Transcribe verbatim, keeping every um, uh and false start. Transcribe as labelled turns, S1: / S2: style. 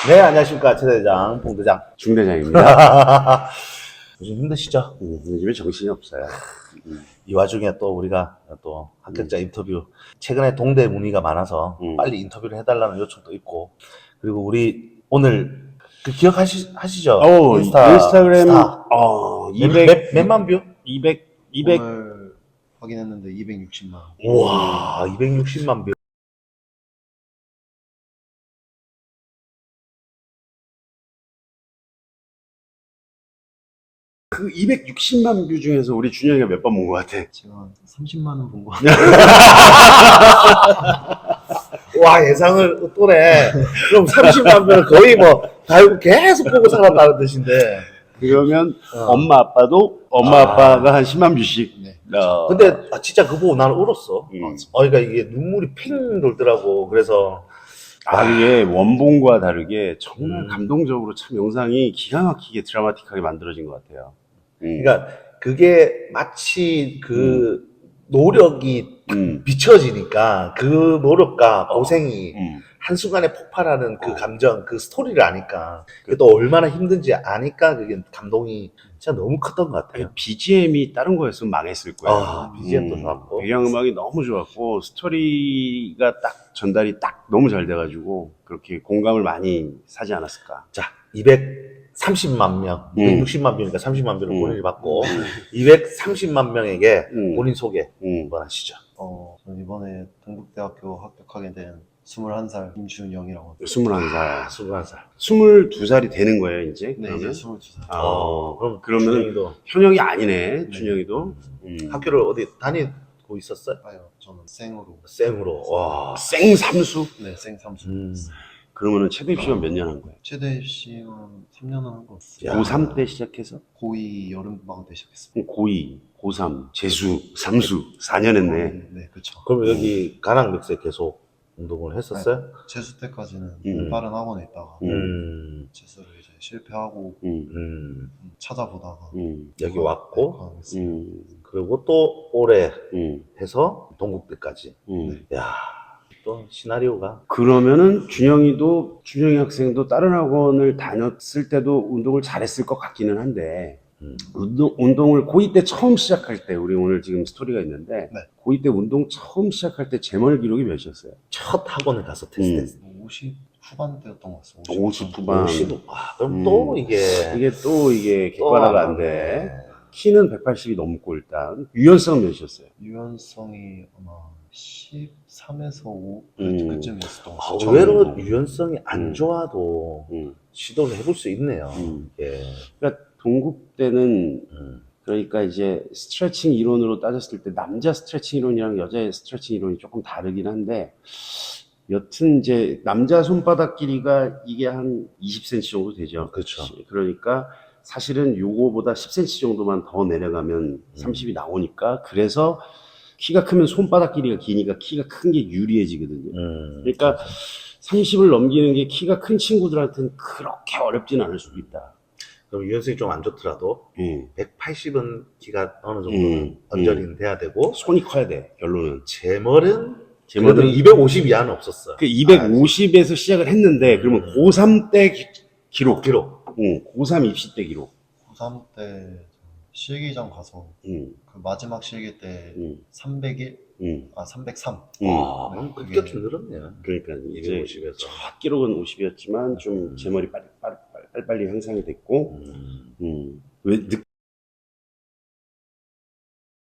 S1: 네, 안녕하십니까. 최대장, 봉대장.
S2: 중대장입니다.
S1: 요즘 힘드시죠?
S2: 음, 요즘에 정신이 없어요. 음,
S1: 이 와중에 또 우리가 또 합격자 인터뷰, 최근에 동대 문의가 많아서
S2: 음.
S1: 빨리 인터뷰를 해달라는 요청도 있고, 그리고 우리 오늘 그 기억하시, 하시죠?
S2: 어,
S1: 인스타,
S2: 인스타그램,
S1: 스타.
S2: 어,
S1: 몇,
S2: 이백,
S1: 몇, 몇만 뷰?
S2: 이백, 이백,
S3: 오늘 확인했는데 이백육십만.
S1: 우와, 이백육십만 뷰.
S2: 그 이백육십만 뷰 중에서 우리 준영이가 몇 번 본 것 같아?
S3: 제가 한 삼십만 원 본 거.
S1: 와, 예상을 또래. 그럼 삼십만 뷰는 거의 뭐, 달고 계속 보고 살았다는 뜻인데.
S2: 그러면
S1: 어.
S2: 엄마 아빠도 엄마
S1: 아.
S2: 아빠가 한 십만 뷰씩.
S3: 네.
S2: 어,
S1: 근데 아, 진짜 그거 보고 나는 울었어.
S2: 음.
S1: 어, 그러니까 이게 눈물이 핑 돌더라고. 그래서
S2: 아, 이게 원본과 다르게 정말
S1: 음.
S2: 감동적으로 참 영상이 기가 막히게 드라마틱하게 만들어진 것 같아요. 음.
S1: 그러니까 그게 마치 그 노력이
S2: 음.
S1: 비춰지니까 그 노력과 고생이
S2: 음.
S1: 한순간에 폭발하는 그
S2: 어.
S1: 감정, 그 스토리를 아니까 그게 또 얼마나 힘든지 아니까 그게 감동이 진짜 너무 컸던 것 같아요.
S2: 비지엠이 다른 거였으면 망했을 거예요.
S1: 아, 비지엠도 좋았고.
S2: 배경음악이 너무 좋았고 스토리가 딱 전달이 딱 너무 잘 돼가지고 그렇게 공감을 많이 사지 않았을까.
S1: 자, 이백삼십만 명,
S2: 음.
S1: 이백육십만 뷰니까 삼십만 뷰를
S2: 음.
S1: 본인이 받고 이백삼십만 명에게
S2: 음.
S1: 본인 소개
S2: 음.
S1: 한번 하시죠.
S3: 어, 저는 이번에 동국대학교 합격하게 된 스물한 살 임준영이라고 합니다.
S2: 스물한
S1: 아,
S2: 살,
S1: 스물한 살.
S2: 스물두 살이 되는 거예요 이제.
S3: 네,
S2: 그러면?
S3: 이제 스물두 살.
S2: 아,
S1: 어, 그럼
S2: 그러면
S1: 준영이도
S2: 현역이 아니네. 준영이도. 음.
S1: 학교를 어디 다니고 있었어요?
S3: 아요, 저는 생으로.
S1: 생으로. 와.
S2: 생삼수.
S3: 네, 생 삼수.
S1: 음.
S2: 그러면은 최대 입시가 몇 년 한 거예요?
S3: 최대 입시는 삼 년은 한 거.
S1: 야.
S2: 고삼 때 시작해서
S3: 고이 여름방학 때 시작했습니다.
S2: 고이, 고삼, 재수, 삼수 사 년 했네.
S3: 네, 네, 그쵸.
S1: 그럼 여기 가랑백세 계속 운동을 했었어요?
S3: 재수 때까지는
S2: 음.
S3: 다른 학원에 있다가
S2: 음.
S1: 음.
S3: 재수를 이제 실패하고
S2: 음.
S1: 음.
S3: 찾아보다가
S2: 음.
S1: 여기 왔고
S3: 과학했습니다.
S2: 음.
S1: 그리고 또 올해
S2: 음.
S1: 해서 동국대까지.
S2: 음.
S1: 야, 또 시나리오가
S2: 그러면은 준영이도 준영이 학생도 다른 학원을 다녔을 때도 운동을 잘했을 것 같기는 한데
S1: 음.
S2: 운동, 운동을 고이 때 처음 시작할 때 우리 오늘 지금 스토리가 있는데
S3: 네.
S2: 고이 때 운동 처음 시작할 때 제멀 기록이 몇이었어요?
S1: 첫 학원을 가서 테스트했어.
S3: 오십 후반대였던 것 같습니다.
S2: 오십 후반.
S1: 오십. 아, 그럼
S2: 음.
S1: 또 이게
S2: 이게 또 이게
S1: 또
S2: 객관화가
S1: 안
S2: 안 돼.
S1: 나오네.
S2: 키는 백팔십이 넘고 일단 유연성은 몇이었어요?
S3: 유연성이 아마 십삼에서 오
S2: 음.
S3: 그쯤이었던 것
S1: 아,
S3: 같아요.
S1: 의외로
S2: 처음.
S1: 유연성이 안
S2: 음.
S1: 좋아도
S2: 음.
S1: 시도를 해볼 수 있네요.
S2: 음.
S1: 예.
S2: 그러니까 동국 때는
S1: 음.
S2: 그러니까 이제 스트레칭 이론으로 따졌을 때 남자 스트레칭 이론이랑 여자의 스트레칭 이론이 조금 다르긴 한데 여튼 이제 남자 손바닥 길이가 이게 한 이십 센티미터 정도 되죠.
S1: 그렇죠.
S2: 그러니까 사실은 요거보다 십 센티미터 정도만 더 내려가면 삼십이 나오니까 그래서 키가 크면 손바닥 길이가 기니까 키가 큰 게 유리해지거든요.
S1: 음.
S2: 그러니까 삼십을 넘기는 게 키가 큰 친구들한테는 그렇게 어렵진 않을 수도 있다.
S1: 그럼 유연성이 좀 안 좋더라도
S2: 예.
S1: 백팔십은 키가 어느 정도는
S2: 음.
S1: 언저리는 돼야 되고
S2: 손이 커야 돼, 결론은.
S1: 제멀은
S2: 제멀은
S1: 그래도 이백오십 이하는 없었어.
S2: 그 이백오십에서 시작을 했는데, 그러면
S1: 음.
S2: 고삼 때 기, 기록.
S1: 기록.
S2: 응, 고삼 입시 때 기록.
S3: 고삼 때 실기장 가서
S2: 응,
S3: 그 마지막 실기 때
S2: 응,
S3: 삼백일,
S2: 응,
S3: 아 삼백삼.
S2: 응.
S1: 아, 그럼
S3: 그게-
S1: 급격히 늘었네.
S2: 그러니까 이제
S1: 이백오십에서.
S2: 첫 기록은 오십이었지만 좀
S1: 음.
S2: 제 머리 빨리, 빨리, 빨리, 빨리 향상이 됐고,
S1: 음.
S2: 음. 왜 늦,